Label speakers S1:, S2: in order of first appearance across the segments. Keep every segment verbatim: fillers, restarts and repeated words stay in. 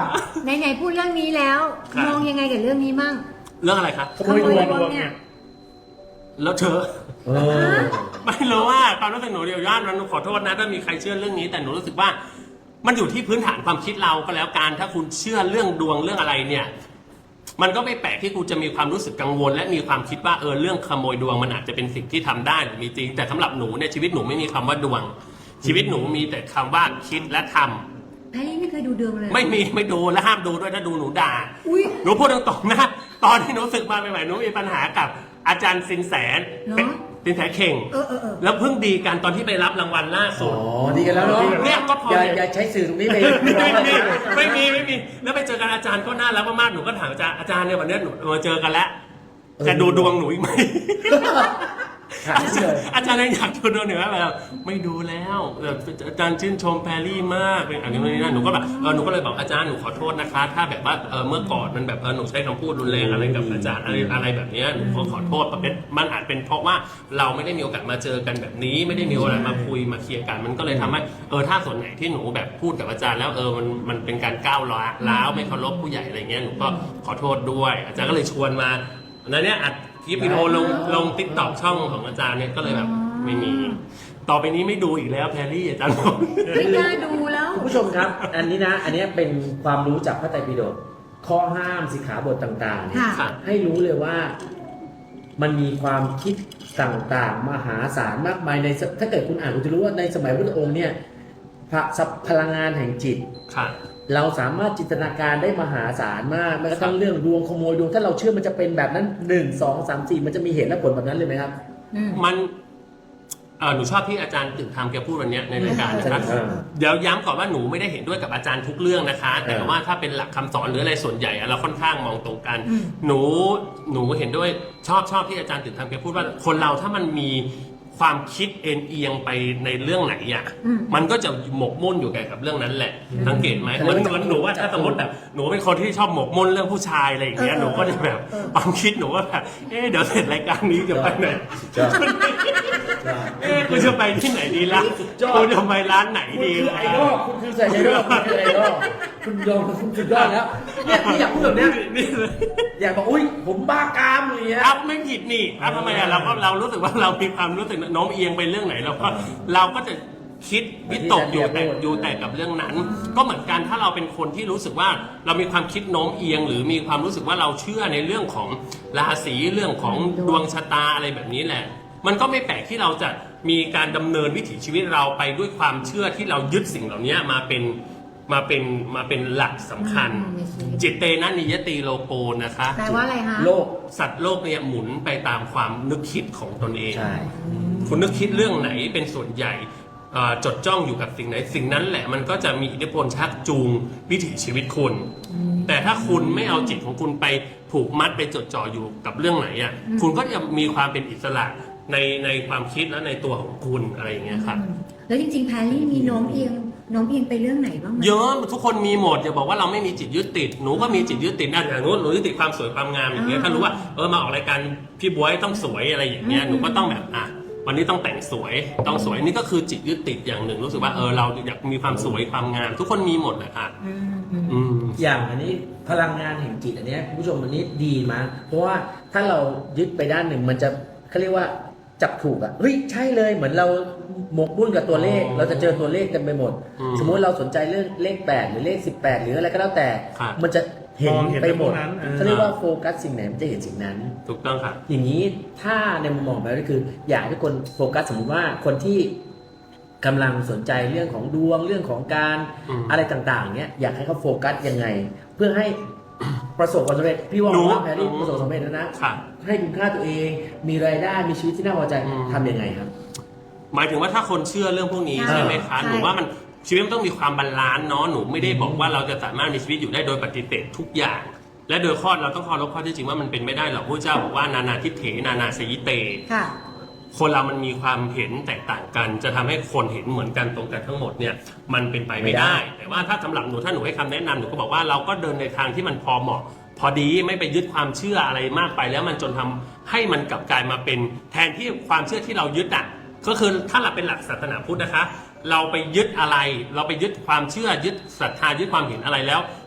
S1: ไหนไหนพูดเรื่องนี้แล้วมองยังไงกับเรื่องนี้มั่ง
S2: เรื่องอะไรครับ
S1: ขโมยดวงเนี่ย
S2: แล้วเธอไม่รู้ว่าความรู้สึกหนูเดียวย่านมันขอโทษนะถ้ามีใครเชื่อเรื่องนี้แต่หนูรู้สึกว่ามันอยู่ที่พื้นฐานความคิดเราก็แล้วกันถ้าคุณเชื่อเรื่องดวงเรื่องอะไรเนี่ยมันก็ไม่แปลกที่กูจะมีความรู้สึกกังวลและมีความคิดว่าเออเรื่องขโมยดวงมันอาจจะเป็นสิ่งที่ทำได้หรือมีจริงแต่สำหรับหนูเนี่ยชีวิตหนูไม่มีคำว่าดวงชีวิตหนูมีแต่คำว่าคิดและทำ
S1: แพรรี่ไม่เคยดูดวงเลย
S2: ไม่มีไม่ดูและห้ามดูด้วยถ้าดูหนูด่าหนูพูดตรงๆนะตอนที่หนูศึกมาใหม่ๆหนูมีปัญหากับอาจารย์สินแสสินแสเข่งแล้วเพิ่งดีกันตอนที่ไปรับรางวัลล่าสุด
S3: อ๋อดีกันแล้วเนาะ
S2: เนี่ยก็พอ
S3: อย่าใช้สื่อตรงนี้ไป
S2: ไม่มีไม่มีไม่มีแล้วไปเจอกันอาจารย์ก็น่ารักมากๆหนูก็ถามอาจารย์อาจารย์เนี่ยวันนี้หนูมาเจอกันแล้วจะดูดวงหนูอีกไหมอาจารย์ยังอยากดูดวงหนูแบบไม่ดูแล้วอาจารย์ชื่นชมแพรรี่มากเป็นอะไรนี่นะหนูก็แบบเออหนูก็เลยบอกอาจารย์หนูขอโทษนะคะถ้าแบบว่าเออเมื่อก่อนมันแบบเออหนูใช้คำพูดรุนแรงอะไรกับอาจารย์อะไรอะไรแบบนี้หนูขอขอโทษเป็นมันอาจเป็นเพราะว่าเราไม่ได้มีโอกาสมาเจอกันแบบนี้ไม่ได้มีโอกาสมาคุยมาเคลียร์กันมันก็เลยทำให้เออถ้าส่วนไหนที่หนูแบบพูดกับอาจารย์แล้วเออมันมันเป็นการก้าวร้าวไม่เคารพผู้ใหญ่อะไรเงี้ยหนูก็ขอโทษด้วยอาจารย์ก็เลยชวนมาแล้วเนี่ยอัดคลิปวิดีโอลงลงติ๊กต็อกช่องของอาจารย์เนี่ยก็เลยแบบไม่มีต่อไปนี้ไม่ดูอีกแล้วแพรรี่อาจารย์บอก
S1: ไม่น่าดูแล้ว
S3: คุณผู้ชมครับอันนี้นะอันนี้เป็นความรู้จากพระไตรปิฎกข้อห้ามสิกขาบทต่างๆเนี่ยให้รู้เลยว่ามันมีความคิดต่างๆมหาศาลมากมายในถ้าเกิดคุณอ่านคุณจะรู้ว่าในสมัยพระพุทธองค์เนี่ยพลังงานแห่งจิตเราสามารถจินตนาการได้มหาศาลมากแม้กระทั่งเรื่องดวงขโมยดวงถ้าเราเชื่อมันจะเป็นแบบนั้นหนึ่งสองสามสี่มันจะมีเหตุและผลแบบนั้นเลยไหมครับ
S2: มันหนูชอบที่อาจารย์ตึกทำแกพูดวันนี้ในรายการนะครับเดี๋ยวย้ำก่อนว่าหนูไม่ได้เห็นด้วยกับอาจารย์ทุกเรื่องนะคะแต่ว่าถ้าเป็นหลักคำสอนหรืออะไรส่วนใหญ่เราค่อนข้างมองตรงกันหนูหนูเห็นด้วยชอบชอบที่อาจารย์ตึกทำแกพูดว่าคนเราถ้ามันมีความคิดเอ็นเอียงไปในเรื่องไหนอ่ะมันก็จะหมกมุ่นอยู่กับเรื่องนั้นแหละสังเกตไหมเหมือนเหมือนหนูว่าถ้าสมมติแบบหนูเป็นคนที่ชอบหมกมุ่นเรื่องผู้ชายอะไรอย่างเงี้ยหนูก็จะแบบความคิดหนูว่าแบบเอ๊ะเดี๋ยวเสร็จรายการนี้จะไปไหนเอ๊ะกูจะไปที่ไหนดีล่ะกูจะไปร้านไหนดี
S3: คือไอดอลคุณคือใส่ไอดอลคุณคือไอดอลคุณยอมคุณสุดยอดแล้วเนี่ยที่อยากพูดแบบนี้อยากบอกอุ้ยผมบ้ากามอะไรเงี้ย
S2: อ้าวไม่ผิดนี่อ้าวทำไมอ่ะเราก็เรารู้สึกว่าเรามีความรู้สึกโน้มเอียงไปเรื่องไหนเราก็เราก็จะคิดวิตกอยู่แต่อยู่แต่กับเรื่องนั้นก็เหมือนกันถ้าเราเป็นคนที่รู้สึกว่าเรามีความคิดโน้มเอียงหรือมีความรู้สึกว่าเราเชื่อในเรื่องของราศีเรื่องของดวงชะตาอะไรแบบนี้แหละมันก็ไม่แปลกที่เราจะมีการดำเนินวิถีชีวิตเราไปด้วยความเชื่อที่เรายึดสิ่งเหล่านี้มาเป็นมาเป็นมาเป็นหลักสำคัญจิตเตนะนิยติโลโกนะคะ
S1: แปลว่าอะไรคะ
S2: โลกสัตว์โลกเนี่ยหมุนไปตามความนึกคิดของตนเองคุณนึกคิดเรื่องไหนเป็นส่วนใหญ่จดจ้องอยู่กับสิ่งไหนสิ่งนั้นแหละมันก็จะมีอิทธิพลชักจูงวิถีชีวิตคุณแต่ถ้าคุณไม่เอาจิตของคุณไปผูกมัดไปจดจ่ออยู่กับเรื่องไหนอ่ะคุณก็จะมีความเป็นอิสระในในความคิดและในตัวของคุณอะไรอย่างเงี้ยครับ
S1: แล้วจริงๆแพรรี่มีโน้มเอียงโน้มเอียงไปเรื่องไหนบ้าง
S2: เยอะทุกคนมีหมดอย่าบอกว่าเราไม่มีจิตยึดติดหนูก็มีจิตยึดติดนะอย่างนู้นหนูยึดติดความสวยความงามอย่างเงี้ยถ้ารู้ว่าเออมาออกรายการพี่บ๊วยต้องสวยอะไรอย่างเงี้ยหนูก็ต้องแบบอ่ะวันนี้ต้องแต่งสวยต้องสวยนี่ก็คือจิตยึดติดอย่างหนึ่งรู้สึกว่าเออเราอยากมีความสวยความงามทุกคนมีหมดแหละค่ะ
S3: อย่างอันนี้พลังงานแห่งจิตอันนี้คุณผู้ชมอันนี้ดีมากเพราะว่าถ้าเรายึดไปด้านหนึ่งมันจะเขาเรียกว่าจับถูกอ่ะเฮ้ยใช่เลยเหมือนเราหมกมุ่นกับตัวเลขเราจะเจอตัวเลขเต็มไปหมดสมมุติเราสนใจเรื่องเลขแปดหรือเลขสิบแปดหรืออะไรก็แล้วแต่มันจะเห็นไปหมดเขาเรียกว่าโฟกัสสิ่งไหนมันจะเห็นสิ่งนั้น
S2: ถูกต้องครับ
S3: อย่างนี้ถ้าในมุมมองแบบนี้คืออยากให้คนโฟกัสสมมติว่าคนที่กำลังสนใจเรื่องของดวงเรื่องของการอะไรต่างๆเนี้ยอยากให้เขาโฟกัสยังไงเพื่อให้ประสบความสำเร็จพี่ว่าว่าแพรรี่ประสบความสำเร็จแล้วนะให้คุณค่าตัวเองมีรายได้มีชีวิตที่น่าพอใจทำยังไงครับ
S2: หมายถึงว่าถ้าคนเชื่อเรื่องพวกนี้ใช่ไหมคะหนูว่ามันชีวิตมันต้องมีความบาลานซ์เนาะหนูไม่ได้บอกว่าเราจะสามารถมีชีวิตอยู่ได้โดยปฏิเสธทุกอย่างและโดยข้อเราต้องเคารพข้อที่จริงว่ามันเป็นไม่ได้หรอกพระเจ้าบอกว่านานาทิฏเถนานาสยิเตคนเรามันมีความเห็นแตกต่างกันจะทำให้คนเห็นเหมือนกันตรงกันทั้งหมดเนี่ยมันเป็นไปไม่ได้แต่ว่าถ้าสำหรับหนูถ้าหนูให้คำแนะนำหนูก็บอกว่าเราก็เดินในทางที่มันพอเหมาะพอดีไม่ไปยึดความเชื่ออะไรมากไปแล้วมันจนทำให้มันกลับกลายมาเป็นแทนที่ความเชื่อที่เรายึดอ่ะก็คือถ้าเราเป็นหลักศาสนาพุทธนะคะเราไปยึดอะไรเราไปยึดความเชื่อยึดศรัทธายึดความเห็นอะไรแล้ว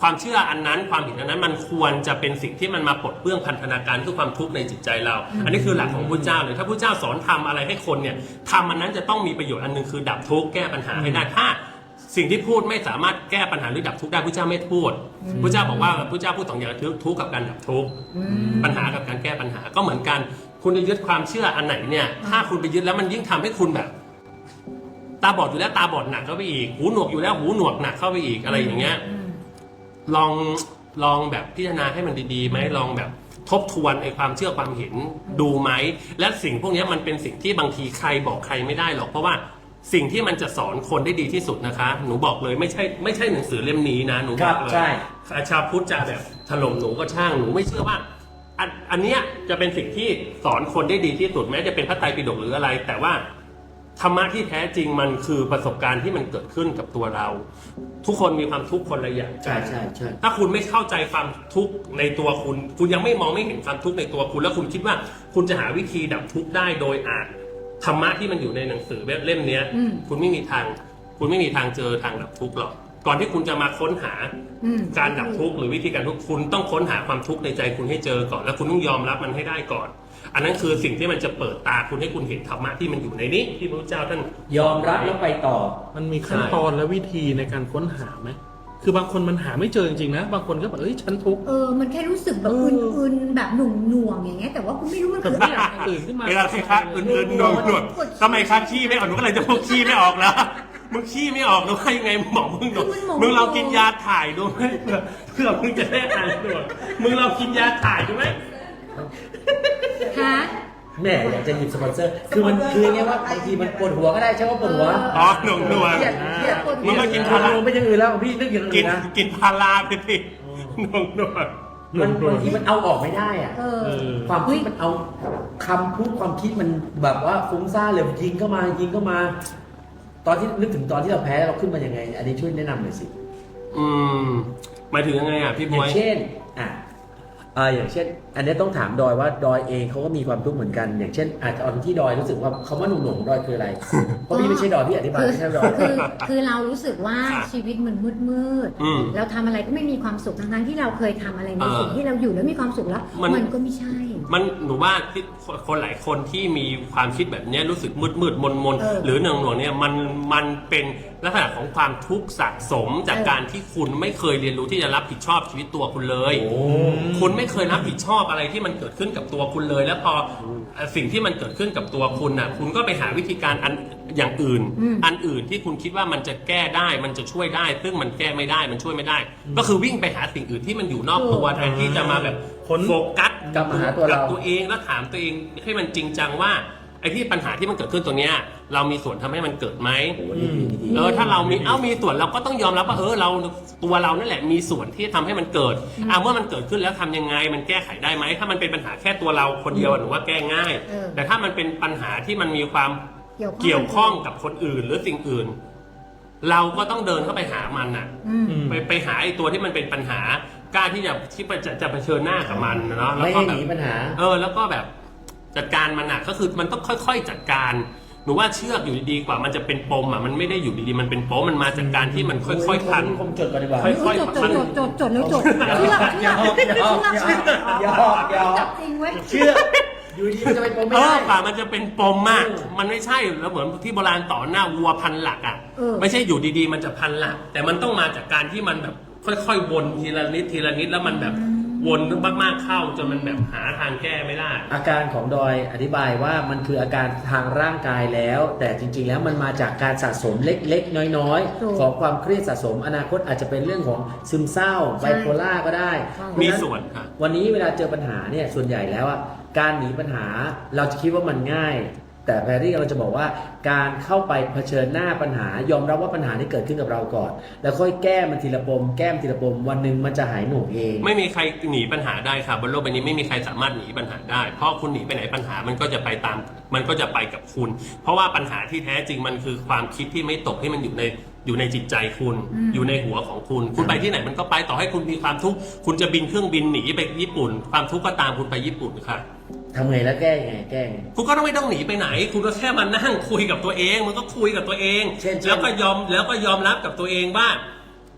S2: ความเชื่ออันนั้นความเห็นอันนั้นมันควรจะเป็นสิ่งที่มันมาปลดเปลื้องพันธนาการคือความทุกข์ในจิตใจเรา อันนี้คือหลักของพระเจ้าเลยถ้าพระเจ้าสอนทำอะไรให้คนเนี่ยทำอันนั้นจะต้องมีประโยชน์อันหนึงคือดับทุกข์แก้ปัญหาให้ได้ถ้าสิ่งที่พูดไม่สามารถแก้ปัญหาหรือดับทุกข์ได้พระเจ้าไม่พูดพระเจ้าบอกว่าพระเจ้าพูดสองอย่างคือทุกข์กับการดับทุกข์ปัญหากับการแก้ปัญหาก็เหมือนกันคุณจะยึดความเชื่ออันไหนเนี่ยถ้าคุณไปยึดแล้วมันยิ่งทำให้คุณแบบตาบอดอยู่แล้วตาบอดหนักเข้าไปอีกหูหนวกอยู่แล้วหูหนวกหนักเข้าไปอีกอะไรอย่างเงี้ยลองลองแบบพิจารณาให้มันดีๆไหมลองแบบทบทวนไอ้ความเชื่อความเห็นดูไหมและสิ่งพวกนี้มันเป็นสิ่งที่บางทีใครบอกใครไม่ได้หรอกเพราะว่าสิ่งที่มันจะสอนคนได้ดีที่สุดนะคะหนูบอกเลยไม่ใช่ไม่ใช่หนังสือเล่มนี้นะหนูบอกเลยชาวพุทธจะแบบถล่มหนูก็ช่างหนูไม่เชื่อว่าอันอันเนี้ยจะเป็นสิ่งที่สอนคนได้ดีที่สุดแม้จะเป็นพระไตรปิฎกหรืออะไรแต่ว่าธรรมะที่แท้จริงมันคือประสบการณ์ที่มันเกิดขึ้นกับตัวเราทุกคนมีความทุกข์คนละอย่าง
S3: ใช่ใช่ใช่
S2: ถ้าคุณไม่เข้าใจความทุกข์ในตัวคุณคุณยังไม่มองไม่เห็นความทุกข์ในตัวคุณแล้วคุณคิดว่าคุณจะหาวิธีดับทุกข์ได้โดยอ่านธรรมะที่มันอยู่ในหนังสือเล่มนี้คุณไม่มีทางคุณไม่มีทางเจอทางดับทุกข์หรอกก่อนที่คุณจะมาค้นหาการดับทุกข์หรือวิธีการทุกข์คุณต้องค้นหาความทุกข์ในใจคุณให้เจอก่อนแล้วคุณต้องยอมรับมันให้ได้ก่อนอันนั้นคือสิ่งที่มันจะเปิดตาคุณให้คุณเห็นธรรมะที่มันอยู่ในนี้ที่พระเจ้าท่าน
S3: ยอมรับแล้วไปต่อ
S4: มันมีขั้นตอนและวิธีในการค้นหาไหมคือบางคนมันหาไม่เจอจริงๆนะบางคนก็แบบเอ้ยฉันทุกข์
S1: เออมันแค่รู้สึกแบบอึนๆแบบหนุ่งหน่วงอย่างเงี้ยแต่ว่าคุณไม่รู้มันคืออะไร
S4: ตื่นขึ้นมา
S2: เวลาใครคะอึนๆหน่วงหน่วงทำไมคะขี้ไม่ออกหนูก็เลยจะพูดขี้ไม่ออกแล้วมึงขี้ไม่ออกหรือว่ายังไงหมอมึงหนูมึงเรากินยาถ่ายดูไหมเพื่อเพื่อมึงจะได้หายหน่วงมึงเรากินยาถ่ายดูไหม
S1: ฮะ
S3: แม่อยากจะหยิบสปอนเซอร์คือมันคือไงว่าบางทีมันปวดหัวก็ได้ใช่ว่าปวดหัว
S2: อ๋อหน่วงหน่วงมึงก็กินพารา
S3: ไม่ยังอื่นแล้วพี่นึกอย่างอื่นนะ
S2: กินพาราไปสิหน่วงหน่วง
S3: มันบางทีมันเอาออกไม่ได้อ่ะความคิดมันเอาคำพูดความคิดมันแบบว่าฟุ้งซ่านเลยยิงเข้ามายิงเข้ามาตอนที่นึกถึงตอนที่เราแพ้เราขึ้นมายังไงอันนี้ช่วยแนะนำหน่อยสิ
S2: อืมหมายถึงยังไงอ่ะพี่บอย
S3: อย่างเช่นอ่ะอ่าอย่างเช่นอันนี้ต้องถามดอยว่าดอยเองเขาก็มีความทุกข์เหมือนกันอย่างเช่นอาจจะตอนที่ดอยรู้สึกว่าคำว่าหนุ่มหนุ่มดอยคืออะไรเพราะพี่ไม่ใช่ดอยพี่อธิบายไม่ใช่ดอย
S1: คือคือเรารู้สึกว่าชีวิตมันมืดมืดเราทำอะไรก็ไม่มีความสุขทั้งๆที่เราเคยทำอะไรในสิ่งที่เราอยู่แล้วมีความสุขแล้วมันก็ไม่ใช่
S2: มันหนูว่าคนหลายคนที่มีความคิดแบบนี้รู้สึกมืดมืดมนมนหรือหน่วงหน่วงเนี่ยมันมันเป็นลักษณะของความทุกข์สะสมจากการที่คุณไม่เคยเรียนรู้ที่จะรับผิดชอบชีวิตตัวคุณเลยคุณไม่เคยรับผิดชอบอะไรที่มันเกิดขึ้นกับตัวคุณเลยแล้วพอสิ่งที่มันเกิดขึ้นกับตัวคุณน่ะคุณก็ไปหาวิธีการอันอย่างอื่นอันอื่นที่คุณคิดว่ามันจะแก้ได้มันจะช่วยได้ซึ่งมันแก้ไม่ได้มันช่วยไม่ได้ก็คือวิ่งไปหาสิ่งอื่นที่มันอยู่นอกตัวแทนที่จะมาแบบโฟกัส
S3: กับหาตัวเรา
S2: ตัวเองแล้วถามตัวเองให้มันจริงจังว่าไอ้ที่ปัญหาที่มันเกิดขึ้นตรงเนี้ยเรามีส่วนทำให้มันเกิดไหมเออถ้าเรามีเอ้ามีส่วนเราก็ต้องยอมรับว่าเออเราตัวเรานั่นแหละมีส่วนที่ทำให้มันเกิดอ่าเมื่อมันเกิดขึ้นแล้วทำยังไงมันแก้ไขได้ไหมถ้ามันเป็นปัญหาแค่ตัวเราคนเดียวหนูว่าแก้ง่ายแต่ถ้ามันเป็นปัญหาที่มันมีความเกี่ยวข้องกับคนอื่นหรือสิ่งอื่นเราก็ต้องเดินเข้าไปหามันน่ะไปไปหาไอ้ตัวที่มันเป็นปัญหากล้าที่จะที่จะจะเผชิญหน้ากับมันเนาะ
S3: แล้วก็แบบ
S2: เออแล้วก็แบบจัดการมันอ่ะก็คือมันต้องค่อยๆจัดการหนูว่าเชือกอยู่ดีๆกว่ามันจะเป็นปมอ่ะมันไม่ได้อยู่ดีๆมันเป็นปมมันมาจากการที่มันค่อยๆพัน
S3: ผมจดก่อนดีกว่า
S1: ค่อยๆจดจดจดจดแล้วจดเชือกเชือกเชือกเชือก
S3: ยอกยอก
S1: จริงเว้ย
S3: เชือกอยู่ดีมันจะเป็นปมไม่ได้
S2: กว่ามันจะเป็นปมมากมันไม่ใช่แล้วเหมือนที่โบราณต่อหน้าวัวพันหลักอ่ะไม่ใช่อยู่ดีๆมันจะพันหลักแต่มันต้องมาจากการที่มันแบบค่อยๆวนทีละนิดทีละนิดแล้วมันแบบวนมากๆเข้าจนมันแบบหาทางแก้ไม่ได้
S3: อาการของดอยอธิบายว่ามันคืออาการทางร่างกายแล้วแต่จริงๆแล้วมันมาจากการสะสมเล็กๆน้อยๆของความเครียดสะสมอนาคตอาจจะเป็นเรื่องของซึมเศร้าไบโพล่าก็ได้
S2: มีส่วนค่ะ
S3: วันนี้เวลาเจอปัญหาเนี่ยส่วนใหญ่แล้วอ่ะการหนีปัญหาเราจะคิดว่ามันง่ายแต่แพรรี่เราจะบอกว่าการเข้าไปเผชิญหน้าปัญหายอมรับว่าปัญหาที่เกิดขึ้นกับเราก่อนแล้วค่อยแก้มันทีละปมแก้มทีละปมวันหนึ่งมันจะหายหนุ่มเอง
S2: ไม่มีใครหนีปัญหาได้ค่ะบนโลกใบนี้ไม่มีใครสามารถหนีปัญหาได้เพราะคุณหนีไปไหนปัญหามันก็จะไปตามมันก็จะไปกับคุณเพราะว่าปัญหาที่แท้จริงมันคือความคิดที่ไม่ตกให้มันอยู่ในอยู่ในจิตใจคุณอยู่ในหัวของคุณคุณไปที่ไหนมันก็ไปต่อให้คุณมีความทุกข์คุณจะบินเครื่องบินหนีไปญี่ปุ่นความทุกข์ก็ตามคุณไปญี่ปุ่นค่ะ
S3: ทำไงแล้วแก้ยังไงแก้
S2: คุณก็ต้องไม่ต้องหนีไปไหนคุณก็แค่มานั่งคุยกับตัวเองมันก็คุยกับตัวเองแล้วก็ยอมแล้วก็ยอมรับกับตัวเองว่า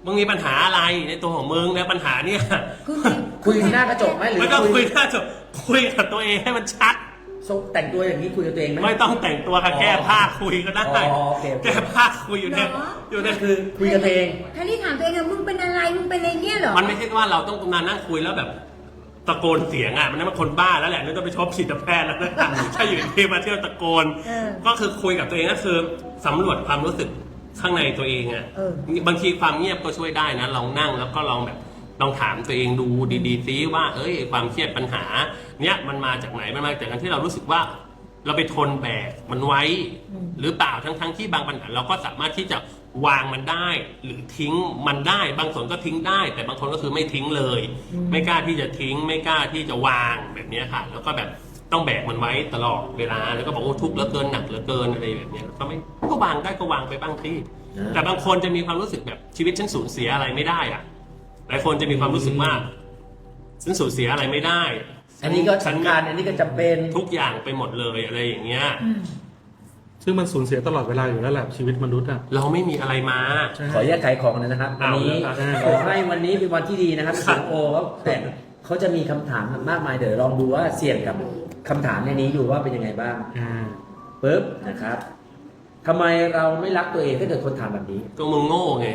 S2: มึงมีปัญหาอะไรในตัวของมึงในปัญหาเนี่ย
S1: คือ
S3: คุยหน้ากระจกไหมหรือ
S2: ไม่ต้องคุ
S3: คุ
S2: ย
S3: ย
S2: หน้าจบคุยกับตัวเองให้มันชัด
S3: แต่งตัวอย่างนี้คุยกับตัวเองไหม
S2: ไม่ต้องแต่งตัวค่ะ
S3: อ๋อ
S2: แก้ผ้าคุยก็ได้
S3: อ๋อโอเคโอเค
S2: แก้ผ้าคุยอยู่เนี่ยอยู่เนี่ย
S3: คือคุยกับตัวเอง
S1: แพรรี่ถามตัวเองอะมึงเป็นอะไรมึงเป็นอะไรเนี่ยเหรอ
S2: มันไม่ใช่ว่าเราต้องมานั่งคุยแล้วแบบตะโกนเสียงอ่ะมันนั่นมันคนบ้าแล้วแหละนี่ต้องไปชอบจิตแพทย์แล้วนะถ้าอยู่ที่มาเที่ยวตะโกน
S1: เออ
S2: ก็คือคุยกับตัวเองก็คือสำรวจความรู้สึกข้างในตัวเองอ่ะ
S1: เออ
S2: บางทีความเงียบก็ช่วยได้นะลองนั่งแล้วก็ลองแบบลองถามตัวเองดูดีๆซิว่าเอ้ยความเครียดปัญหาเนี้ยมันมาจากไหนมันมาจากการที่เรารู้สึกว่า เราไปทนแบกมันไว้ หรือเปล่าทั้งๆที่บางปัญหาเราก็สามารถที่จะวางมันได้ หรือทิ้งมันได้ บางส่วนก็ทิ้งได้ แต่บางคนก็คือไม่ทิ้งเลย ไม่กล้าที่จะทิ้ง ไม่กล้าที่จะวางแบบนี้ค่ะ แล้วก็แบบต้องแบกมันไว้ตลอดเวลาแล้วก็บอกโอ้ทุกข์เหลือเกินหนักเหลือเกินอะไรแบบนี้ก็ไม่ก็วางได้ก็วางไปบ้างที่
S3: นะ
S2: แต่บางคนจะมีความรู้สึกแบบชีวิตฉันสูญเสียอะไรไม่ได้อะหลายคนจะมีความรู้สึกว่าฉันสูญเสียอะไรไม่ได้
S3: อันนี้ก็
S2: ฉัน
S3: สำคัญอันนี้ก็จำเป็น
S2: ทุกอย่างไปหมดเลยอะไรอย่างเงี้ย
S1: อืม
S4: ซึ่งมันสูญเสียตลอดเวลาอยู่แล้วแหละชีวิตมนุษย์อ่ะ
S2: เราไม่มีอะไรมา
S4: ใช่
S3: ขอแยกขายของหนอยนะครับวัน
S2: เอา
S3: นี้
S2: เลยครับ
S3: ขอให้วันนี้เป็นวันที่ดีนะครับสิงโอเขาแต่เขาจะมีคำถามมากมายเดี๋ยวลองดูว่าเสี่ยงกับคำถามในนี้ดูว่าเป็นยังไงบ้าง
S4: อ่า
S3: ปึ๊บนะครับทำไมเราไม่รักตัวเองถ้าเกิดคนถามแบบนี้
S2: ก็มึงโง่ไง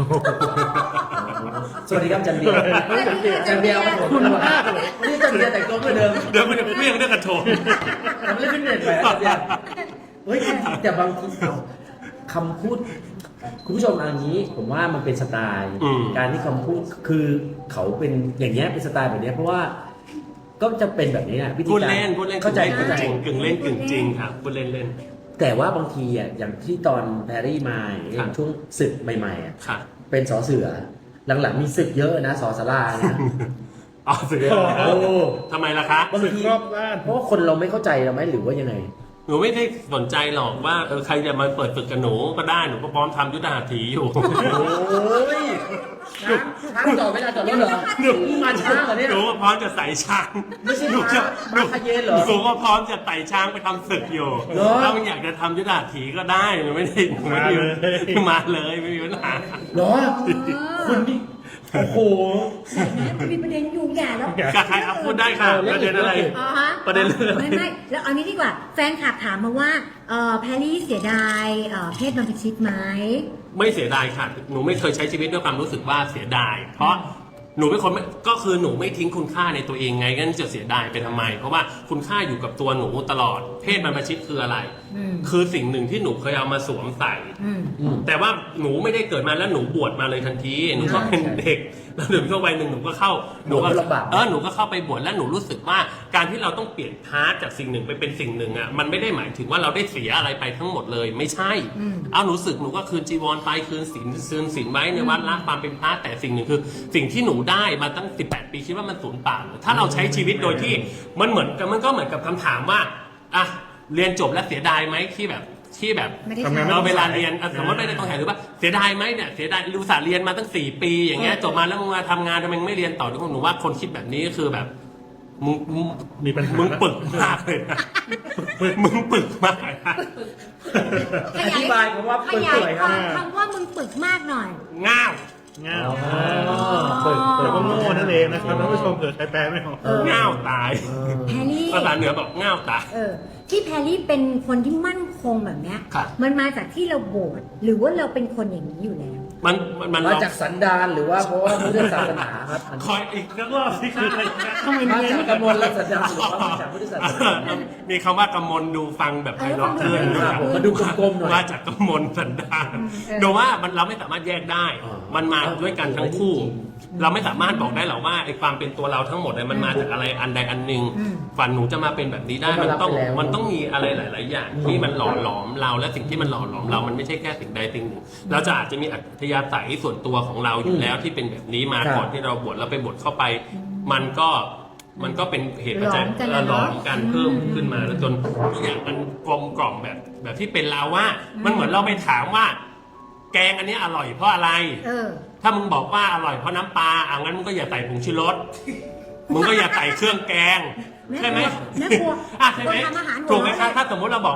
S3: สวัสดีครับจันเบียร์จันเบียร์ครับผมคุณมากเลยนี่จันเบียร์แต่งตัวเหมือนเดิม
S2: เดี๋ยวมันจะเปรี้ยงด้วยกระโถน
S3: ทำเล่นฟิตเนสไปแล้วจันเบียร์เฮ้ยแต่บางทีคำพูด คุณผู้ชมอันนี้ผมว่ามันเป็นสไตล์
S2: อืม
S3: การที่คำพูดคือเขาเป็นอย่างเงี้ยเป็นสไตล์แบบเนี้ยเพราะว่าก็จะเป็นแบบนี้อะวิธี
S2: พูด
S3: การ
S2: เล่นพูดเล่น
S3: เข้าใจ
S2: กึ่
S3: เข้างใจ
S2: จริงกึ่งเล่นกึ่งจริงครับพูดเล่นเล่น
S3: แต่ว่าบางทีอ่ะอย่างที่ตอนแพรรี่มาอย่าง
S2: ครับ
S3: ช่วงศึกใหม่ๆอ่ะ
S2: ค่ะ
S3: เป็นสอเสือ หลังๆมีศึกเยอะนะสอสาราเนี่ย
S2: อ๋อสุดยอด
S3: โอ้
S2: ทำไมล่ะคะ
S3: บาง
S4: สึก
S3: ที
S4: รอบด้าน
S3: เพราะว่าคนเราไม่เข้าใจเราไหมหรือว่ายังไง
S2: หนูไม่ได้สนใจหรอกว่าเออใครจะมาเปิดฝึกกับหนูก็ได้หนูก็พร้อมทำยุทธหัตถีอยู่
S3: โอ้ยช้างจอดไม่ได้จอดรถเหรอหนูมาช้างเหรอเนี่ย
S2: หนูก็พร้อมจะใส่ช้าง
S3: ไม่ใช่
S2: หนูจะ
S3: ม้าม้าคาเยนเหรอ
S2: หนูก็พร้อมจะไต่ช้างไปทำศึกอยู่
S3: เหรอ
S2: ถ้ามันอยากจะทำยุทธหัตถีก็ได้หนูไม่ได้หนูไม่ได้มาเลยไม่มีปัญหา
S3: เหรอคุณนี่โอ้โห
S1: มันมีประเด็นอยู่อย่าแล้ว
S2: ใครเอาพูดได้ค่ะประเด็นอะไร
S1: อ๋อฮะ
S2: ประเด็นเรื่องอะไร
S1: ไม่ไม่แล้วเอานี้ดีกว่า แฟนคลับถามมาว่าเอ่อแพรรี่เสียดายเอ่อเพศบรรพชิตไหม
S2: ไม่เสียดายค่ะ หนูไม่เคยใช้ชีวิตด้วยความรู้สึกว่าเสียดาย เพราะหนูเป็นคนไม่ก็คือหนูไม่ทิ้งคุณค่าในตัวเองไงงั้นจะเสียดายไปทำไม เพราะว่าคุณค่าอยู่กับตัวหนูตลอด เพศบรรพชิตคืออะไร
S1: อืม
S2: คือสิ่งหนึ่งที่หนูเคยเอามาสวมใส่
S1: อืม
S3: อืม
S2: แต่ว่าหนูไม่ได้เกิดมาแล้วหนูบวชมาเลยทันที หนูก็เป็นเด็ก แล้วหนูเข้าวัยหนึ่งหนูก็เข้า หนูก็
S3: บวชก็ลำบาก
S2: เออหนูก็เข้าไปบวชแล้วหนูรู้สึกว่าการที่เราต้องเปลี่ยนพาร์ทจากสิ่งหนึ่งไปเป็นสิ่งหนึ่งอ่ะ มันไม่ได้หมายถึงว่าเราได้เสียอะไรไปทั้งหมดเลย ไม่ใช่
S1: อืม
S2: เอาหนูสึกหนูก็คืนจีวรไปคืนศีลคืนศีลไว้ในวัดละความเป็นพระแต่สิ่งหนึ่งคือ สิ่งที่หนูได้มาตั้งสิบแปดปีคิดว่ามันสูญเปล่าเหรอถ้าเราใช้ชีวิตโดยที่มันเหมือนกับมันก็เหมือนกับคำถามว่าอ่ะเรียนจบแล้วเสียดายไหมที่แบบที่แบบ
S1: ไม่ได้
S4: ทำงาน
S1: ถาม
S2: เราเวลาเรียนอ่ะสมมติไม่ได้ต้องถ่ายหรือว่าเสียดายไหมเนี่ยเสียดายรู้สาห์เรียนมาตั้งสี่ปีอย่างเงี้ยจบมาแล้วมึงมาทำงานทำไมมึงไม่เรียนต่อทุกคนหนูว่าคนคิดแบบนี้ก็คือแบบมึงมึง
S4: มีปัญหา
S2: มึงปึกมากเลยนะมึงปึกมากนะ
S1: ข
S3: อธิบายคำว่า
S1: ข
S3: เปิด
S1: ยา
S3: เผ
S1: ย
S3: ย
S1: ค
S3: ครับ
S1: วามคำว่ามึงปึกมากหน่อย
S2: ง่าว
S4: ง่าว
S3: อ๋อ
S4: เปิดเปิดว่าโง่นั่นเองนะครับท่านผู้ชมเกิดใครแปลไม่ออก
S1: เออ
S2: ง่าวตาย
S1: แพรรี่
S2: ภาษาเหนือบอกง่าวตาย
S1: เออที่แพรรี่เป็นคนที่มั่นคงแบบเนี้ย
S2: ครับ
S1: มันมาจากที่เราโบสถ์หรือว่าเราเป็นคนอย่างนี้อยู่แล้ว
S2: มันมันมัน
S3: มาจากสันดานหรือว่าเพราะว่าพุทธศาสนาครับอัน
S2: คอยอีกสักรอบที่คืออะไรนะ
S3: มาจากกมลและสันดานหรือว่ามาจากพุทธศาสนา
S2: มีคำว่ากำมลดูฟังแบบไพเราะขึ้น
S3: เออฟังดูกลมๆหน่อย
S2: มาจากกำมลสันดาน
S1: เออ
S2: โดยว่ามันเราไม่สามารถแยกได้
S3: อ๋อ
S2: มันมาด้วยกันทั้งคู่ เราไม่สามารถบอกได้หรอกว่าไอ้ความเป็นตัวเราทั้งหมดเนี่ยมันมาจากอะไรอันใดอันหนึ่ง
S1: อืม
S2: ฝันหนูจะมาเป็นแบบนี้ได้
S3: ก็
S2: มัน
S3: รับ
S2: ต้อง
S3: ไปแล้ว
S2: มันต้องมีอะไรหลาย ๆ อย่าง ที่มันหล่อหลอมเราและสิ่งที่มันหล่อหลอมเรามันไม่ใช่แค่สิ่งใดสิ่งหนึ่งเราจะอาจจะมีอัธยาศัยส่วนตัวของเราอยู่แล้วที่เป็นแบบนี้มา
S3: ครับ
S2: ก่อนที่เราบวชแล้วไปบวชเข้าไป มันก็มันก็เป็นเหตุปัจจัย
S1: หลอมกันนะ
S2: หลอมกันเพิ่มขึ้นมาแล้วจนทุกอย่างมันกลมกล่อมแบบแบบที่เป็นเราว่า มันเหมือนเราไปถามว่า แกงอันนี้อร่อยเพราะอะไร
S1: เออ
S2: ถ้ามึงบอกว่าอร่อยเพราะน้ำปลาอ่ะงั้นมึงก็อย่าใส่ผงชูรส มึงก็อย่าใส่เครื่องแกง ใช่ไหม
S1: แม่ครัว
S2: อ่ะใช่ไหม
S1: คนทำอาหารหัว
S2: ถูกไหมครับถ้าสมมุติเราบอกว่า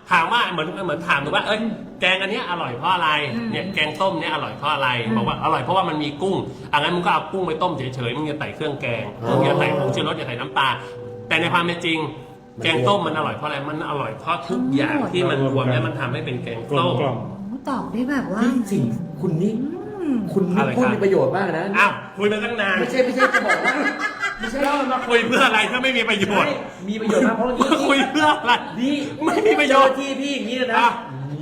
S2: ถามว่าเหมือนเหมือนถามหนูว่าเอ้ยแกงอันเนี้ยอร่อยเพราะอะไรเนี่ยแกงส้มเนี้ยอร่อยเพราะอะไรบอกว่าอร่อยเพราะว่ามันมีกุ้งอ่ะงั้นมึงก็เอากุ้งไปต้มเฉยๆมึงอย่าใส่เครื่องแกงมึงอย่าใส่ผงชูรสอย่าใส่น้ำปลาแต่ในความเป็นจริงแกงส้มมันอร่อยเพราะอะไรมันอร่อยเพราะทุกอย่างที่มันรวมแล้วมันทำให้เป็นแกง
S4: กลม
S2: ส้ม
S4: กล่อม
S1: โอ้ตอบได้แบบว่า
S3: นี่สิ่งคุณนี่คุณนี่
S2: อะไร
S3: พูด
S2: ครับ
S3: มีประโยชน์มากนะ
S2: อ้าวคุยมาตั้งนาน
S3: ไม่ใช่ไม่ใช่จะบอกว่าไม่ใช่
S2: แล้วมาคุยเพื่ออะไรถ้าไม่มีประโยชน์
S3: ไม่มีประโยชน์มากเพราะนี่
S2: มาคุยเพื่ออะไร
S3: นี่
S2: ไม่มีประโยชน์
S3: เจอที่พี่อย่างนี้เลยนะ
S2: อ่ะ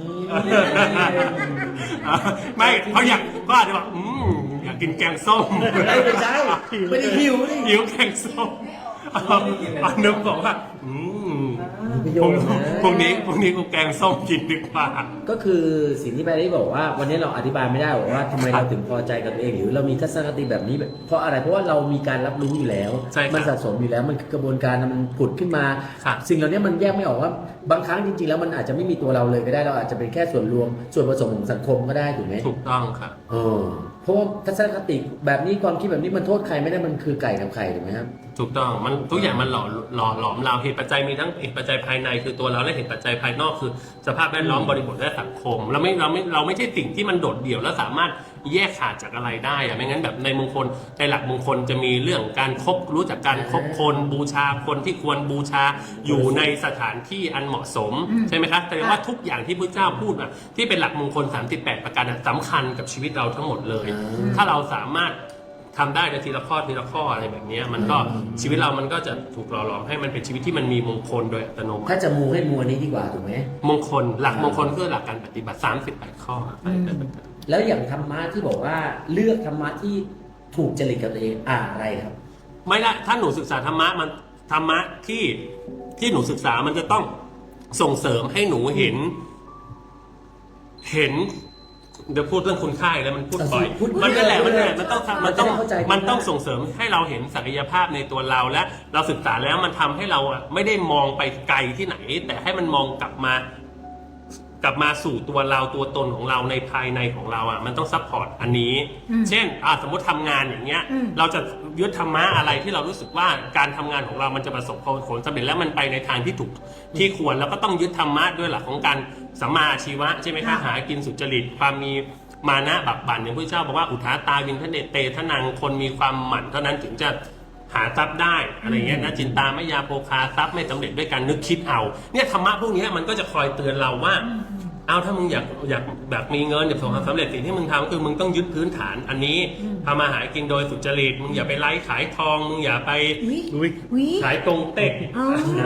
S2: ไม่เขาอยากก็อาจจะบอกอืมอยากกินแกงส้ม
S3: ไม่ไม่ใช่ไม่ได้หิวนี่
S2: หิวแกงส้มอันนึกบอกว่าอืม
S3: มีประโย
S2: พรุ่ง
S3: ชน์นะ
S2: พรุ่งนี้พรุ่งนี้กูแกงส้มกินดีกว่า
S3: ก็คือสิ่งที่แพรรี่บอกว่าวันนี้เราอธิบายไม่ได้บอกว่าทำไมเราถึงพอใจกับตัวเอง หรือเรามีทัศนคติแบบนี้แบบเพราะอะไรเพราะว่าเรามีการรับรู้อยู่แล้ว
S2: ใช่ครับ
S3: มันสะสมอยู่แล้วมันคือกระบวนการมันผุดขึ้นมา
S2: ครับ
S3: สิ่งเหล่านี้มันแยกไม่ออกว่าบางครั้งจริงๆแล้วมันอาจจะไม่มีตัวเราเลยก็ได้เราอาจจะเป็นแค่ส่วนรวมส่วนผสมของสังคมก็ได้ถูกไหม
S2: ถูกต้องครับ
S3: เออเพราะว่าทัศนคติแบบนี้ความคิดแบบนี้มันโทษใครไม่ได้มันคือไก่กับไข่ถูกไหมครับ
S2: ถูกต้องมันทุกอย่างมันหล่อหล่อหลอมเราเหตุปัจจัยมีทั้งเหตุปัจจัยภายในคือตัวเราและเหตุปัจจัยภายนอกคือสภาพแวดล้อมบริบทและสังคมเราไม่เราไม่เราไม่ใช่สิ่งที่มันโดดเดี่ยวแล้วสามารถแยกขาดจากอะไรได้อะไม่งั้นแบบในมงคลในหลักมงคลจะมีเรื่องการคบรู้จักการคบคนบูชาคนที่ควรบูชาอยู่ในสถานที่อันเหมาะสม
S1: อืม
S2: ใช่ไหมครับแต่ว่าทุกอย่างที่พระเจ้าพูดอะที่เป็นหลักมงคลสามสิบแปดประการอะสำคัญกับชีวิตเราทั้งหมดเลย
S3: อืม
S2: ถ้าเราสามารถทำได้ในทีละข้อทีละข้ออะไรแบบเนี้ยมันก็ชีวิตเรามันก็จะถูกหล่อหลอมให้มันเป็นชีวิตที่มันมีมงคลโดยอัตโนมั
S3: ถ้า
S2: ติ
S3: จะมูให้มูอันนี้ดีกว่าถูกไหม
S2: มงคลหลักมงคลคือหลักการปฏิบัติสามสิบแปดข้ออะไรแบบนั้น
S3: แล้วอย่างธรรมะที่บอกว่าเลือกธรรมะที่ถูกจริตกับตัวเองอะไรครับ
S2: ไม่ได้ถ้าหนูศึกษาธรรมะมันธรรมะที่ที่หนูศึกษามันจะต้องส่งเสริมให้หนูเห็น เห็นเดี๋ยวพูดเรื่องคุณค่าอีกแล้วมันพูดบ่อย
S3: พูด
S2: มันนั่นแหละ
S3: พู
S2: มั
S3: ด
S2: น
S3: เล
S2: นั่น
S3: ย
S2: แหละมันต้องมันต้อง
S3: จะได้เข้าใจ
S2: มันต้องส่งเสริมให้เราเห็นศักยภาพในตัวเราและเราศึกษาแล้วมันทำให้เราอะไม่ได้มองไปไกลที่ไหน แต่ให้มันมองกลับมา กลับมาสู่ตัวเราตัวตนของเราในภายในของเราอ่ะมันต้องซัพพอร์ตอันนี้
S1: อืม
S2: เช่นอ่ะสมมติทำงานอย่างเงี้ย
S1: อืม
S2: เราจะยึดธรรมะอะไรที่เรารู้สึกว่าการทำงานของเรามันจะประสบผลสำเร็จแล้วมันไปในทางที่ถูกที่ควรแล้วก็ต้องยึดธรรมะด้วยหลักของการสัมมาอาชีวะใช่ไหมคะหากินสุจริตความมีมานะบักบั่นอย่างพระเจ้าบอกว่าอุทาตาวินทเนเตทนังคนมีความหมั่นเท่านั้นถึงจะหาทรัพย์ได้อะไรเงี้ยนะจินตามยาโภคาทรัพย์ไม่สำเร็จด้วยการนึกคิดเอาเนี่ยธรรมะพวกเนี้ยมันก็จะคอยเตือนเราว่า เอาถ้ามึงอยากอยากแบบมีเงินอยากประสบความสำเร็จสิ่งที่มึงทำคือมึงต้องยึดพื้นฐานอันนี้ทำมาหากินโดยสุจริตมึงอย่าไปไล่ขายทองมึงอย่าไป
S1: วิ
S4: อุ๊ย
S1: วิ
S2: ขายตรงเต็ก
S1: อ๋อ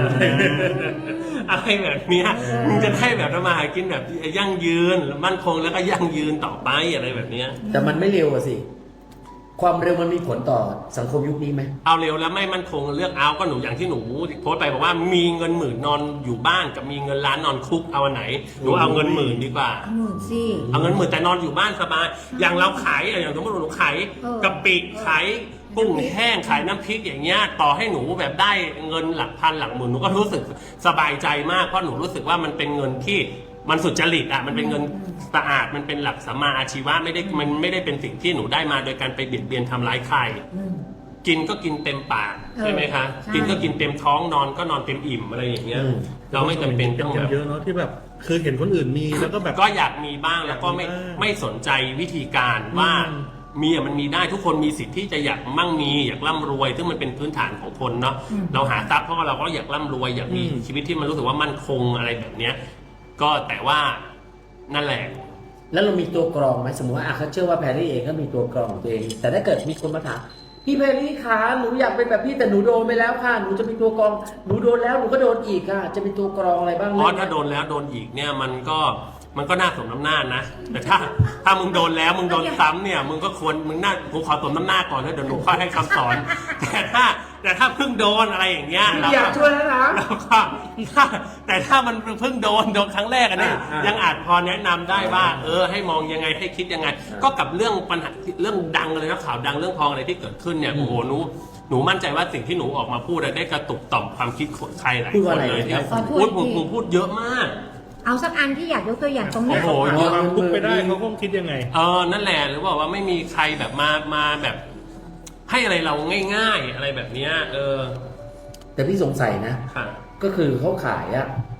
S2: อะไรแบบเนี้ยมึงจะได้แบบทำมาหากินแบบยั่งยืนมั่นคงแล้วก็ยั่งยืนต่อไปอะไรแบบเนี้ย
S3: แต่มันไม่เร็วอะสิ ความเร็วมันมีผลต่อสังคมยุคนี้ไหม
S2: เอาเร็วแล้วไม่มั่นคงเลือกเอาก็หนูอย่างที่หนูโพสต์ไปบอกว่ามีเงินหมื่นนอนอยู่บ้านกับมีเงินล้านนอนคุกเอาอันไหนหนูเอาเงินหมื่นดีกว่า
S1: หมื่นสิ
S2: เอาเงินหมื่นแต่นอนอยู่บ้านสบาย อย่างเราขายอย่างสมมติหนูขาย
S1: เออก
S2: ะปิขายกุ้งแห้งขายน้ำพริกอย่างเงี้ยต่อให้หนูแบบได้เงินหลักพันหลักหมื่นหนูก็รู้สึกสบายใจมากเพราะหนูรู้สึกว่ามันเป็นเงินที่มันสุจริตอ่ะมันเป็นเงินสะอาดมันเป็นหลักสัมมาอาชีวะไม่ได้มันไม่ได้เป็นสิ่งที่หนูได้มาโดยการไปเบียดเบียนทำร้ายใคร
S1: อืม
S2: กินก็กินเต็มปาก
S1: เออ
S2: ใช่ไหมคะ
S1: ใช่
S2: กินก็กินเต็มท้องนอนก็นอนเต็มอิ่มอะไรอย่างเงี้ย
S3: อืม
S2: เราไม่จำเป็นต้อง
S4: ค
S2: แบ
S4: น
S2: บ
S4: เยอะเนาะที่แบบคือเห็นคนอื่นมีแล้วก็แบบ
S2: ก็อยากมีบ้างแล้วก็ไม่
S4: อยากมีบ้าง
S2: ไม่สนใจวิธีการว่า
S4: อืม
S2: มีอะมันมีได้ทุกคนมีสิทธิ์ที่จะอยากมั่งมีอยากร่ำรวย ซึ่งมันเป็นพื้นฐานของคนเนาะ
S1: อืม
S2: เราหาทรัพย์เพราะว่าเราก็อยากร่ำรวยอยากมีชีวิตที่มันรู้สึกว่ามั่นคงอะไรแบบเนี้ยก็แต่ว่านั่นแหละ
S3: แล้วเรามีตัวกรองไหมสมมติว่าอ่ะเขาเชื่อว่าแพรรี่เองก็มีตัวกรองของตัวเอง แต่ถ้าเกิดมีคนมาถามพี่แพรรี่คะหนูอยากเป็นแบบพี่แต่หนูโดนไปแล้วค่ะหนูจะมีตัวกรองหนูโดนแล้วหนูก็โดนอีกค่ะ จะมีตัวกรองอะไรบ้าง
S2: อ๋อ
S3: เรื่องเนี้ย
S2: ถ้าโดนแล้วโดนอีกเนี่ยมันก็มันก็น่าสมน้ำหน้านะแต่ถ้าถ้ามึงโดนแล้วมึงโดนซ้ำเนี่ยมึงก็ควรมึงน่ากูขอสมน้ำหน้าก่อนแล้วเดี๋ยวหนูค่อยให้คำสอน แต่ถ้าแต่ถ้าเพิ่งโดนอะไรอย่างเงี้ยเรา
S3: อยากช่วยแล้วนะ
S2: แล้วก็ถ้าแต่ถ้ามันเพิ่งโดนโดนครั้งแรกอันนี้
S3: อ่าอ่ายั
S2: ยังอาจพอแนะนำได้ว่า เออให้มองยังไงให้คิดยังไง ก็กับเรื่องปัญหาเรื่องดังเลยนะข่าวดังเรื่องทองอะไรที่เกิดขึ้นเนี่ยโอ้โหหนูหนูมั่นใจว่าสิ่งที่หนูออกมาพูดอะได้กระตุกต่อมความคิดคนใครหลาย
S3: พูด
S2: ค
S3: ว่าน อะไร
S2: เลยที่
S3: ครับ
S2: พูดผมผมพูดเยอะมาก
S1: เอาสักอันที่อยากยกตัวอย่างตรงเนี้ย
S2: โอ้โห
S4: เยอะความทุกข์ไปได้เขาคงคิดยังไง
S2: เออนั่นแหละหรือว่าว่าไม่มีใครแบบมามาแบบ ให้อะไรเราง่ายๆอะไรแบบเนี้ยเออ
S3: แต่พี่สงสัยนะ
S2: ค่ะ
S3: ก็คือเขาขายอะ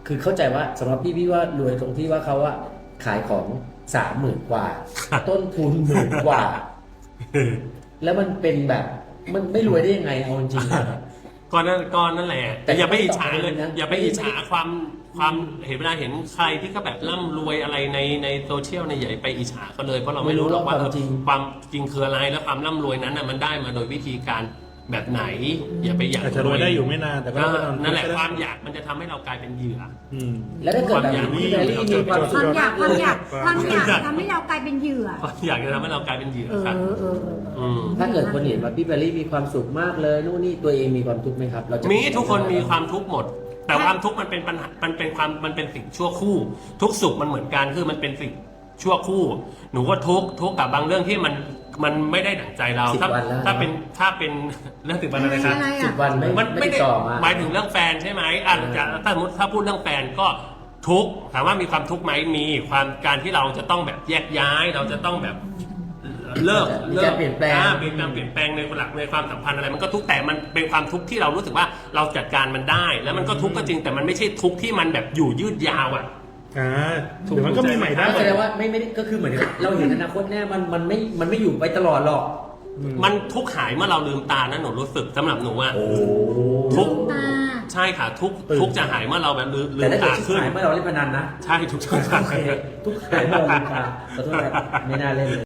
S3: คือเข้าใจว่าสำหรับพี่พี่ว่ารวยตรงที่ว่าเขาอะขายของสามหมื่นกว่า ต้นทุนหมื่นกว่า แล้วมันเป็นแบบมันไม่รวยได้ยังไงเอาจริงๆนะ
S2: ก่อนนั้นก่อนนั่นแหละ
S3: แต่
S2: แต่อย่าไปอิจฉาเลย
S3: ไม่ต้อง
S2: อย่าไปอิจฉาความความเห็นเวลาเห็นใครที่ก็แบบร่ำรวยอะไรในในโซเชียลเนี่ยอย่าไปอิจฉาเขาเลยเพราะเราไม่รู้หรอกว่า
S3: ไม่รู้หรอกความจริง
S2: ความจริงคืออะไรแล้วความร่ำรวยนั้นน่ะมันได้มาโดยวิธีการแบบไหน อย่าไปอยาก
S4: อาจจะรวยได้อยู่ไม่นานแต่ก็
S2: ก็
S4: ไม่นาน
S2: นั่นแหละความอยากมันจะทำให้เรากลายเป็นเหยื่อ
S4: อืม
S3: แล้วถ้าเกิดแบบ
S2: ความอยาก
S3: พี่แบรี่มีความ
S1: ค
S3: สุ
S1: วา
S3: ข
S1: มอยากความอยาก
S4: ค
S1: ความ
S4: วาม
S1: อยาก
S2: อยาก
S1: ทำให้เรากลายเป็นเหยื่อ
S2: ความอยากจะทำให้เรากลายเป็นเหยื่อ
S1: เออ
S2: ครับ
S1: เออเออ
S2: อืม
S3: ถ้าเกิดคนเห็นว่าพี่แบรี่มีความสุขมากเลยนู่นนี่ตัวเองมีความทุกข์ไหมครับเราจะ
S2: มีทุกคนมีความทุกข์หมด แต่ความทุกข์มันเป็นปัญหามันเป็นความมันเป็นสิ่งชั่วคู่ ทุกสุขมันเหมือนกันคือมันเป็นสิ่งชั่วคู่ หนูก็ทุกข์ทุกข์กับบางเรื่องที่มันมันไม่ได้ดั่งใจเรา
S3: สิบ
S2: ถ้า
S3: วันแล้ว
S2: ถ้าเป็นถ้าเป็นเรื่องสิบวันอะไรครับ
S1: อะไร
S3: สิ
S1: อ่ะ
S3: บวันไม่
S2: มัน
S3: ไม่
S2: ไม่
S3: ติด
S2: ได้
S3: ต่อมา
S2: หมายถึงเรื่องแฟนใช่ไหมอ่ะจะถ้าสมมติถ้าพูดเรื่องแฟนก็ทุกข์ถามว่ามีความทุกข์ไหมมีความการที่เราจะต้องแบบแยกย้าย เราจะต้องแบบเลิก
S3: มี
S2: เลิ
S3: การเปลี่ยนแปลง
S2: อ่าเปลี่ยนแปลงเปลี่ยนแปลงในหลักในความสัมพันธ์อะไรมันก็ทุกข์แต่มันเป็นความทุกข์ที่เรารู้สึกว่าเราจัดการมันได้ แล้วมันก็ทุกข์ก็จริงแต่มันไม่ใช่ทุกข์ที่มันแบบอยู่ยืดยาวอ่ะ
S4: อ่าเดี๋ยวมันก็มีใหม่ได้
S3: ก็แสดงว่าไม่ไม่ได้ก็คือเหมือนกับเราเห็นอนาคตแน่มันมันไม่มันไม่อยู่ไปตลอดหรอก
S2: มันทุกข์หายเมื่อเราลืมตานะหนูรู้สึกสำหรับหนูอะ
S3: โอ้
S2: ทุกข์
S1: ตา
S2: ใช่ค่ะทุกข์
S4: ตื่น
S2: ทุกข์จะหายเมื่อเราแบบลืมลื
S3: แต่
S2: ม
S3: ถ้าเกิด
S2: ตา
S3: ชิบ
S2: ขึ้น
S3: หายเมื่อเราเล่นพนันนะ
S2: ใช่ทุกข์
S3: โอเคทุกหายเมื่อเราลืมตาขอโทษครับไม่น่าเล่นเลย